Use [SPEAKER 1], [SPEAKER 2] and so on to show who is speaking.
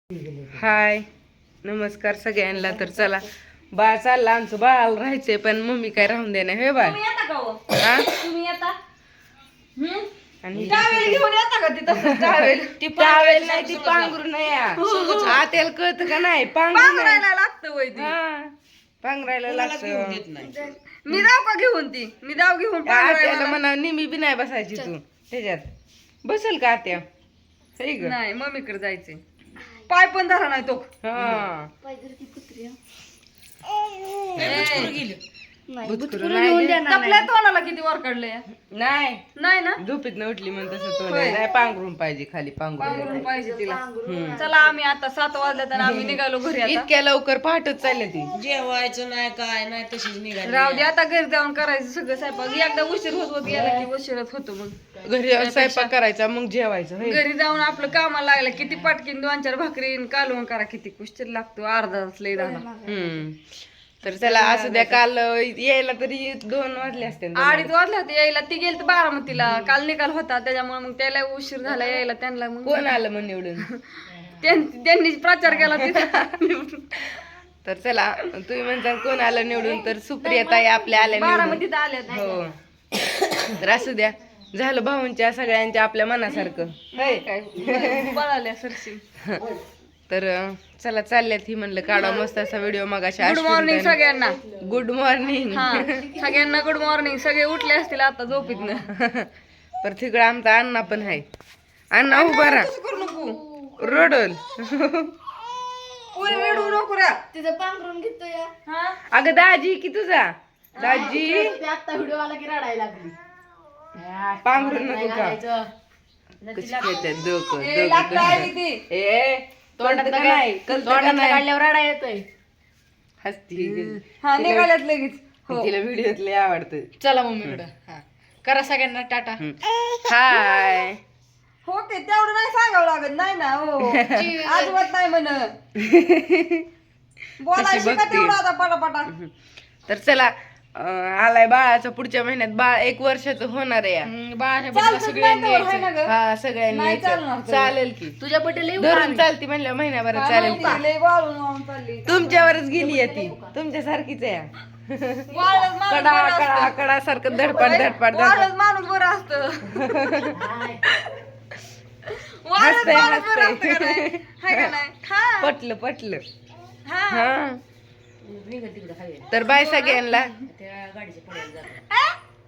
[SPEAKER 1] हाय नमस्कार सगळ्यांना. तर चला बाळ चालला आमचं, बाळाला राहायचंय पण मम्मी काय राहून देणार हे बाळ. आणि ती टावेल नाही ती पांघरून आत्याला कळत का नाही पांघरायला लागतं पांघरायला लागतं.
[SPEAKER 2] मी जाऊ का घेऊन ती मी जाऊ घेऊन
[SPEAKER 1] आत्याला म्हणा निमी बी नाही बसायची तू त्याच्यात बसेल का आत्या
[SPEAKER 2] नाही मम्मीकडे जायचंय. पाय पण धरा नाही तो.
[SPEAKER 1] हा
[SPEAKER 2] तपल्या तोंडाला किती वर काढलंय
[SPEAKER 1] नाही
[SPEAKER 2] नाही ना
[SPEAKER 1] झोपीत न उठली म्हणून तसं तोंड आहे. नाही पांघरून पाहिजे खाली
[SPEAKER 2] पांघरून
[SPEAKER 1] पांघरून
[SPEAKER 2] पाहिजे तिला. चला आम्ही आता 7 वाजल्यात आणि आम्ही निघालो घरी. आता
[SPEAKER 1] इतक्या लवकर पहाटच चालले ती
[SPEAKER 3] जेवायचं नाही काय नाही तशीच निघाली.
[SPEAKER 2] राहू दे आता घरी जाऊन करायचं सगळं स्वयंपाक. एकदा उशीर होत गेला की उशीरच होतो. मग
[SPEAKER 1] घरी स्वयंपाक करायचा मग जेवायचं होय.
[SPEAKER 2] घरी जाऊन आपलं कामाला लागलं किती पटकीन 2-4 भाकरीन कालवून करा किती उशीर लागतो. अर्धा तास लई झाला.
[SPEAKER 1] तर चला असं द्या. काल यायला तरी 2 वाजले असते
[SPEAKER 2] 2:30 वाजले होते यायला. ती गेली बारामतीला. काल निकाल होता त्याच्यामुळे मग त्याला उशीर झाला यायला. त्यांना मग
[SPEAKER 1] कोण आलं मग निवडून
[SPEAKER 2] त्यांनी प्रचार केला तिथं.
[SPEAKER 1] तर चला तुम्ही म्हणता कोण आलं निवडून, तर सुप्रिया ताई आपल्या आल्या निवडून.
[SPEAKER 2] बारामतीत आल्या.
[SPEAKER 1] हो तर असू द्या. झालं भाऊंच्या सगळ्यांच्या आपल्या मनासारखं होय.
[SPEAKER 2] पळाल्या सरशी.
[SPEAKER 1] तर चला चालल्यात ही म्हणलं काढा मस्त असा व्हिडिओ. मग
[SPEAKER 2] गुड मॉर्निंग सगळ्यांना.
[SPEAKER 1] Good morning.
[SPEAKER 2] सगळ्यांना गुड मॉर्निंग. सगळे उठले असतील आता झोपीतनं.
[SPEAKER 1] पर तिकडं आमचा अण्णा पण आहे. अण्णा उभा राहा
[SPEAKER 2] करू नको
[SPEAKER 1] रोडल.
[SPEAKER 2] रडू नको रे.
[SPEAKER 4] तिचं पांघरून घेतोय.
[SPEAKER 1] अगं दाजी की तुझा दाजी
[SPEAKER 4] आता व्हिडिओ आला की रडायला लागली.
[SPEAKER 1] पांघरून नको का कशी खेळतात डोकं
[SPEAKER 2] लागतं आहे ती.
[SPEAKER 1] ए तोंडात का नाही कलतं का नाही
[SPEAKER 4] काढल्यावर रडा येतोय.
[SPEAKER 1] हसती.
[SPEAKER 2] निघाल्यात लगेच.
[SPEAKER 1] तिला व्हिडिओत लय आवडतं.
[SPEAKER 4] चला मम्मीकडं. करा सगळ्यांना टाटा.
[SPEAKER 1] हाय
[SPEAKER 2] हो ते तेवढं नाही सांगावं लागत नाही ना. हो अजिबात नाही म्हण. बोलायची का तेवढं आता पटापटा.
[SPEAKER 1] तर चला आलाय बाळाचा पुढच्या महिन्यात. बाळ 1 वर्षाचं होणार आहे.
[SPEAKER 2] चालतच नाही तेवढं, हाय ना गं?
[SPEAKER 1] हा सगळ्यांनी
[SPEAKER 2] नाही
[SPEAKER 1] यायचं.
[SPEAKER 2] चालणार तेवढं.
[SPEAKER 1] चालेल की
[SPEAKER 4] तुझ्या बड्डेला
[SPEAKER 1] धरून चालती म्हणल्या महिन्याभरात चालेल की.
[SPEAKER 2] लय वाळून वाळून चालली.
[SPEAKER 1] तुमच्यावरच गेली आहे ती. तुमच्या सारखीच आहे.
[SPEAKER 2] वाळलंच माणूस
[SPEAKER 1] कडा
[SPEAKER 2] बरं
[SPEAKER 1] कडा
[SPEAKER 2] असतं.
[SPEAKER 1] कडा सारखं धडपड धडपड
[SPEAKER 2] वाळलंच माणूस बरं असतं. वाळलंच
[SPEAKER 1] हसतंय,
[SPEAKER 2] माणूस बरं
[SPEAKER 1] हसतंय.
[SPEAKER 2] असतं का नाही? हाय का नाही? हा.
[SPEAKER 1] पटलं पटलं.
[SPEAKER 2] हा.
[SPEAKER 1] हा तर बाय सगळ्यांना.
[SPEAKER 3] त्या गाडीच्या पुढे जातो.